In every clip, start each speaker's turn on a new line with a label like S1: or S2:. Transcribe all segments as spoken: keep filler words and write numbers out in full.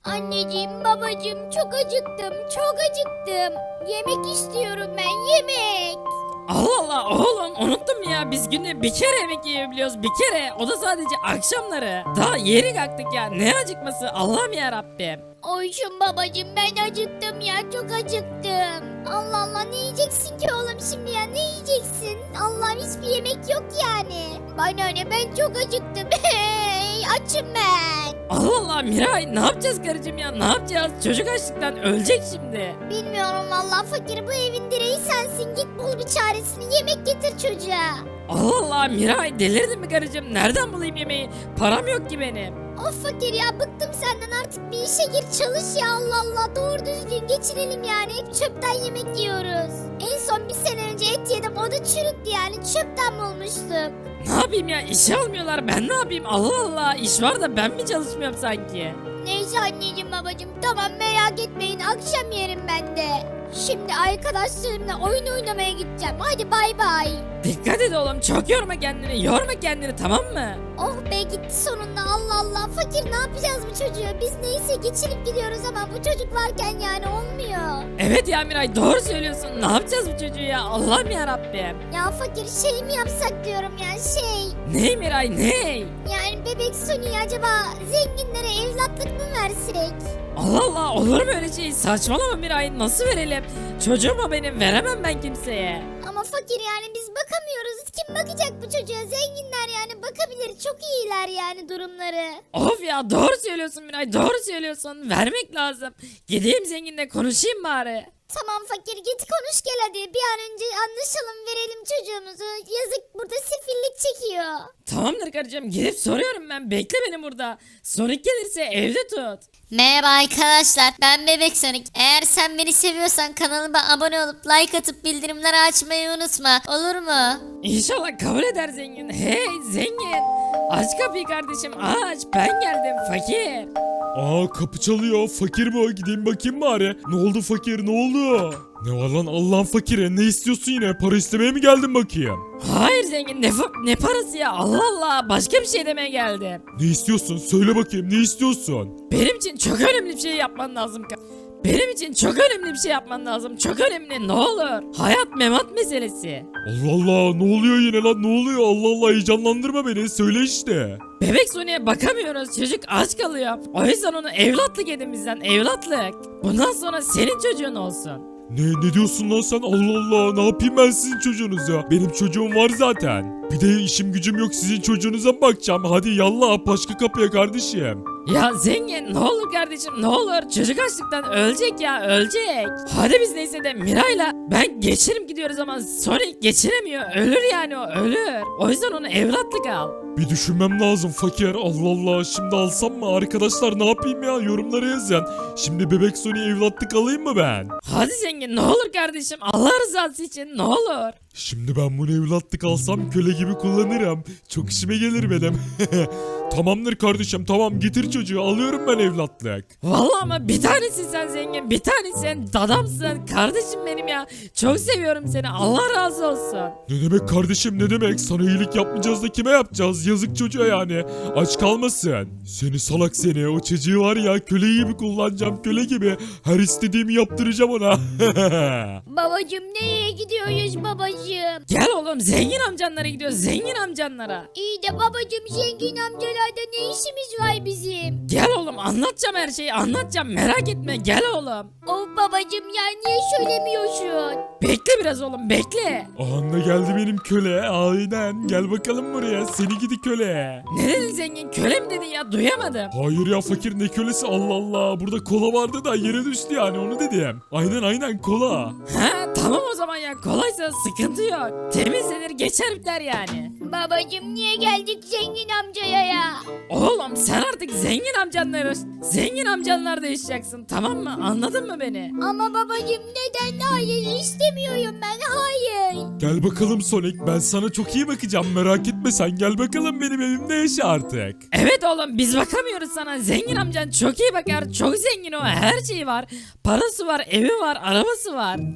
S1: Anneciğim, babacığım çok acıktım, çok acıktım. Yemek istiyorum ben, yemek.
S2: Allah Allah oğlum unuttum ya, biz günde bir kere yemek yiyebiliyoruz, bir kere, o da sadece akşamları. Daha yeni kalktık ya, ne acıkması Allah'ım ya Rabbim.
S1: Oyşun babacığım, ben acıktım ya, çok acıktım. Allah Allah, ne yiyeceksin ki oğlum şimdi ya, ne yiyeceksin? Allah'ım, hiçbir yemek yok yani. Bana ne, ben çok acıktım. Hey, açım ben.
S2: Allah Allah Miray, ne yapacağız karıcığım ya, ne yapacağız? Çocuk açlıktan ölecek şimdi.
S1: Bilmiyorum vallahi fakir, bu evin direği sensin, git bul bir çaresini, yemek getir çocuğa.
S2: Allah Allah Miray, delirdin mi karıcığım, nereden bulayım yemeği? Param yok ki benim.
S1: Of fakir ya, bıktım senden, artık bir işe gir çalış ya, Allah Allah, doğru düzgün geçirelim yani, hep çöpten yemek yiyoruz. En son bir sene önce et yedim, o da çürüktü yani, çöpten bulmuştum.
S2: Ne yapayım ya, işe almıyorlar, ben ne yapayım? Allah Allah, iş var da ben mi çalışmıyorum sanki?
S1: Neyse anneciğim babacığım, tamam merak etmeyin, akşam yerim ben de. Şimdi arkadaşlarımla oyun oynamaya gideceğim, hadi bay bay.
S2: Dikkat et oğlum, çok yorma kendini, yorma kendini, tamam mı?
S1: Oh be, gitti sonunda, Allah Allah. Fakir, ne yapacağız bu çocuğu? Biz neyse geçirip gidiyoruz ama bu çocuk varken yani olmuyor.
S2: Evet ya Miray, doğru söylüyorsun, ne yapacağız bu çocuğu ya, Allah'ım ya Rabbim.
S1: Ya fakir, şey mi yapsak diyorum ya, şey.
S2: Ney Miray, ney?
S1: Yani bebek Sony'yi acaba zenginlere evlatlık mı versek?
S2: Allah Allah, olur mu öyle şey? Saçmalama Miray, nasıl verelim? Çocuğum o benim, veremem ben kimseye.
S1: Ama fakir, yani biz bakamıyoruz. Kim bakacak bu çocuğa? Zenginler yani bakabilir. Çok iyiler yani durumları.
S2: Of ya, doğru söylüyorsun Miray, doğru söylüyorsun, vermek lazım. Gideyim zenginle konuşayım bari.
S1: Tamam fakir, git konuş gel hadi. Bir an önce anlaşalım, verelim çocuğumuzu. Yazık, burada sefillik çekiyor.
S2: Tamamdır karıcığım, gidip soruyorum ben, bekle beni burada. Sonic gelirse evde tut.
S3: Merhaba arkadaşlar, ben Bebek Sonic. Eğer sen beni seviyorsan kanalıma abone olup like atıp bildirimleri açmayı unutma, olur mu?
S2: İnşallah kabul eder zengin. Hey zengin, aç kapıyı kardeşim, aç, ben geldim fakir.
S4: Aa, kapı çalıyor. Fakir bu. Gideyim bakayım bari. Ne oldu fakir, ne oldu? Ne var lan Allah'ın fakiri, ne istiyorsun yine? Para istemeye mi geldin bakayım?
S2: Hayır zengin, ne, fa- ne parası ya, Allah Allah, başka bir şey demeye geldim.
S4: Ne istiyorsun? Söyle bakayım, ne istiyorsun?
S2: Benim için çok önemli bir şey yapman lazım. ka- Benim için çok önemli bir şey yapman lazım. Çok önemli, ne olur. Hayat memat meselesi.
S4: Allah Allah, ne oluyor yine lan, ne oluyor? Allah Allah, heyecanlandırma beni, söyle işte.
S2: Bebek Sony'e bakamıyoruz, çocuk aç kalıyor. O yüzden onu evlatlık edin bizden, evlatlık. Bundan sonra senin çocuğun olsun.
S4: Ne, ne diyorsun lan sen? Allah Allah, ne yapayım ben sizin çocuğunuz ya? Benim çocuğum var zaten. Bir de işim gücüm yok, sizin çocuğunuza mı bakacağım? Hadi yallah, başka kapıya kardeşim.
S2: Ya zengin, ne olur kardeşim, ne olur, çocuk açlıktan ölecek ya, ölecek. Hadi biz neyse de Miray'la ben geçirim gidiyoruz ama Sonic geçiremiyor, ölür yani, o ölür. O yüzden onu evlatlık al.
S4: Bir düşünmem lazım fakir. Allah Allah, şimdi alsam mı? Arkadaşlar ne yapayım ya? Yorumlara yazın. Şimdi bebek Sony evlatlık alayım mı ben?
S2: Hadi zengin, ne olur kardeşim, Allah rızası için ne olur.
S4: Şimdi ben bunu evlatlık alsam köle gibi kullanırım. Çok işime gelir benim. Tamamdır kardeşim, tamam, getir çocuğu, alıyorum ben evlatlık.
S2: Vallahi ama bir tanesin sen zengin, bir tanesin, dadamsın, kardeşim benim ya. Çok seviyorum seni, Allah razı olsun.
S4: Ne demek kardeşim, ne demek? Sana iyilik yapmayacağız da kime yapacağız? Yazık çocuğa yani. Aç kalmasın. Seni salak seni, o çocuğu var ya, köle gibi kullanacağım, köle gibi. Her istediğimi yaptıracağım ona.
S1: Babacığım, nereye gidiyoruz babacığım?
S2: Gel oğlum, zengin amcanlara gidiyoruz, zengin amcanlara.
S1: İyi de babacığım, zengin amcalarda ne işimiz var bizim?
S2: Gel oğlum, anlatacağım her şeyi, anlatacağım, merak etme, gel oğlum.
S1: Of babacığım ya, niye söylemiyorsun?
S2: Bekle biraz oğlum, bekle.
S4: Anne geldi benim köle. Aynen, gel bakalım buraya, seni gidi köle.
S2: Ne dedin zengin, köle mi dedin ya, duyamadım.
S4: Hayır ya fakir, ne kölesi, Allah Allah. Burada kola vardı da yere düştü yani, onu dedim. Aynen aynen, kola.
S2: Ha tamam o zaman ya, kolaysa sıkıntı yok. Temizlenir geçer biter yani.
S1: Babacığım, niye geldik zengin amcaya ya?
S2: Oğlum sen artık zengin amcanları, zengin amcanlarda yaşayacaksın, tamam mı, anladın mı beni?
S1: Ama babacığım, neden? Hayır, istemiyorum ben, hayır.
S4: Gel bakalım Sonic, ben sana çok iyi bakacağım, merak etme sen, gel bakalım benim evimde yaşa artık.
S2: Evet oğlum, biz bakamıyoruz sana, zengin amcan çok iyi bakar, çok zengin o, her şeyi var. Parası var, evi var, arabası var. Çok iyi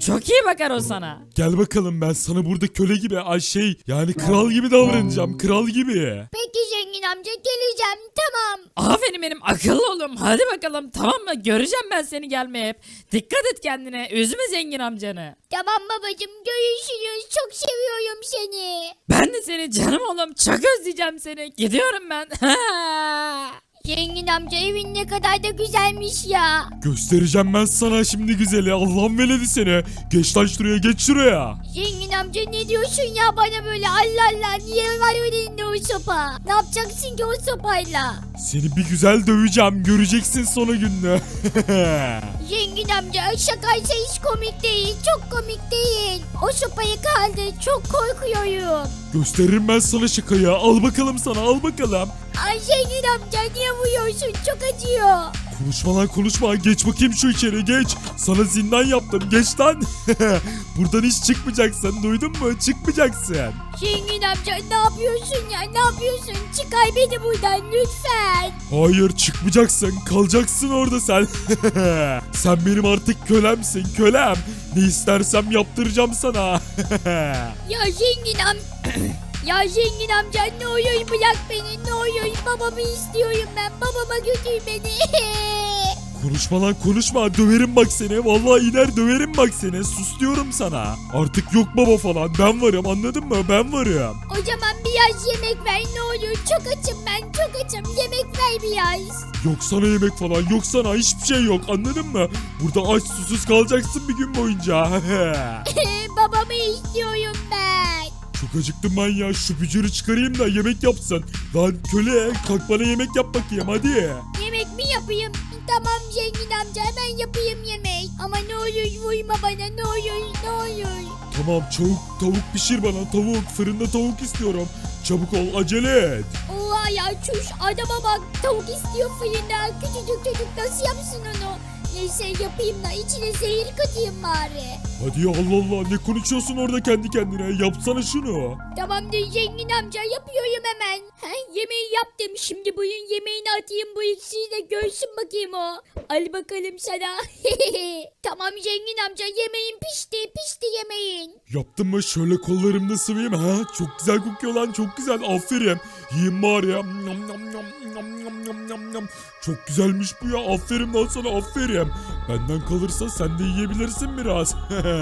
S2: bakar o sana.
S4: Gel bakalım, ben sana burada köle gibi, ay şey yani kral gibi davranacağım, kral gibi.
S1: Peki zengin amca geleceğim tamam.
S2: Aferin benim akıllı oğlum. Hadi bakalım tamam mı? Göreceğim ben seni gelmeye hep. Dikkat et kendine. Üzme zengin amcanı.
S1: Tamam babacım görüşürüz. Çok seviyorum seni.
S2: Ben de seni canım oğlum. Çok özleyeceğim seni. Gidiyorum ben.
S1: Zengin amca evin ne kadar da güzelmiş ya.
S4: Göstereceğim ben sana şimdi güzeli, Allah'ın veledi seni. Geç lan şuraya, geç şuraya.
S1: Zengin amca ne diyorsun ya bana böyle Allah Allah niye var elinde o sopa? Ne yapacaksın ki o sopayla?
S4: Seni bir güzel döveceğim, göreceksin sonu gününü.
S1: Zengin amca şakaysa hiç komik değil çok komik değil. O sopayı kaldı çok korkuyorum.
S4: Gösteririm ben sana şakayı, al bakalım sana, al bakalım.
S1: Ay zengin amca niye vuruyorsun çok acıyor.
S4: Konuşma lan konuşma, geç bakayım şu içeri, geç. Sana zindan yaptım, geç lan. Buradan hiç çıkmayacaksın, duydun mu? Çıkmayacaksın.
S1: Zengin amca ne yapıyorsun ya ne yapıyorsun? Çıkar beni buradan lütfen.
S4: Hayır, çıkmayacaksın, kalacaksın orada sen. Sen benim artık kölemsin, kölem. Ne istersem yaptıracağım sana.
S1: Ya zengin am... Ya zengin amca ne olur bırak beni ne olur babamı istiyorum ben babama götür beni.
S4: Konuşma lan konuşma, döverim bak seni, vallahi iner döverim bak seni, sus diyorum sana. Artık yok baba falan, ben varım, anladın mı, ben varım.
S1: O zaman biraz yemek ver ne olur çok açım ben çok açım yemek ver biraz.
S4: Yok sana yemek falan, yok sana hiçbir şey yok, anladın mı? Burada aç susuz kalacaksın bir gün boyunca.
S1: Babamı istiyorum ben.
S4: Çok acıktım ben ya, şu bücürü çıkarayım da yemek yapsın. Lan köle, kalk bana yemek yap bakayım hadi.
S1: Yemek mi yapayım? Tamam zengin amca hemen yapayım yemek. Ama ne olur vurma bana ne olur ne olur.
S4: Tamam, çabuk tavuk pişir bana, tavuk, fırında tavuk istiyorum. Çabuk ol, acele et.
S1: Oha ya çuş adama bak tavuk istiyor fırında. Küçücük çocuk nasıl yapsın onu? Neyse yapayım da içine zehir katayım bari.
S4: Hadi ya, Allah Allah, ne konuşuyorsun orada kendi kendine, yapsana şunu.
S1: Tamamdır zengin amca yapıyorum hemen. He, yemeği yaptım şimdi buyurun yemeğini atayım bu ikisi de görsün bakayım o. Al bakalım sana. Tamam zengin amca yemeğin pişti pişti yemeğin.
S4: Yaptın mı, şöyle kollarımda sıvayım ha, çok güzel kokuyor lan, çok güzel, aferin. Yiyeyim bari ya. Nom, nom, nom, nom, nom, nom, nom, nom. Çok güzelmiş bu ya, aferin lan sana, aferin. Benden kalırsa sen de yiyebilirsin biraz.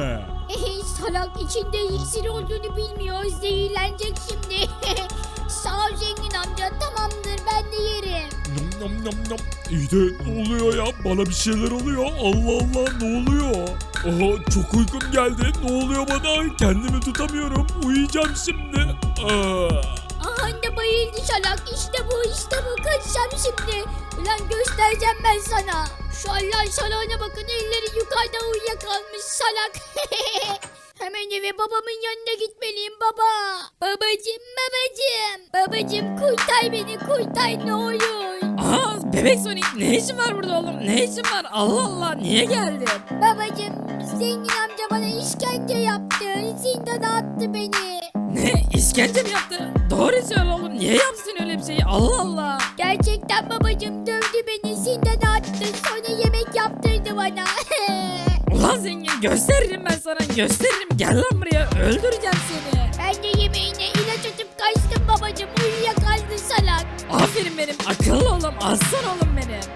S1: Salak içinde iksir olduğunu bilmiyor zehirlenecek şimdi. Sağ ol zengin amca tamamdır ben de yerim.
S4: Nom nom nom nom. İyi de ne oluyor ya? Bana bir şeyler oluyor. Allah Allah, ne oluyor? Aha, çok uykum geldi. Ne oluyor bana? Kendimi tutamıyorum. Uyuyacağım şimdi. Aa.
S1: Aha da bayıldı salak işte bu işte bu kaçacağım şimdi. Ulan göstereceğim ben sana. Şu Allah salağına bakın elleri yukarıda uyuyakalmış salak. Hemen eve babamın yanına gitmeliyim baba. Babacım babacım. Babacım kurtar beni kurtar ne olur.
S2: Aa bebek Sonic ne işin var burada oğlum? Ne işin var? Allah Allah niye geldin?
S1: Babacım zengin amca bana işkence yaptı. Zindana attı beni.
S2: Ne? İşkence mi yaptı? Doğru söyle oğlum. Niye yapsın öyle bir şeyi? Allah Allah.
S1: Gerçekten babacım dövdü beni zindana attı. Sonra yemek yaptırdı bana.
S2: Ulan zengin gösteririm ben sana gösteririm. Gel lan buraya öldüreceğim seni.
S1: Ben de yemeğine ilaç atıp kaçtım babacım. Uyuyakaldı salak.
S2: Aferin benim akıllı oğlum aslan oğlum benim.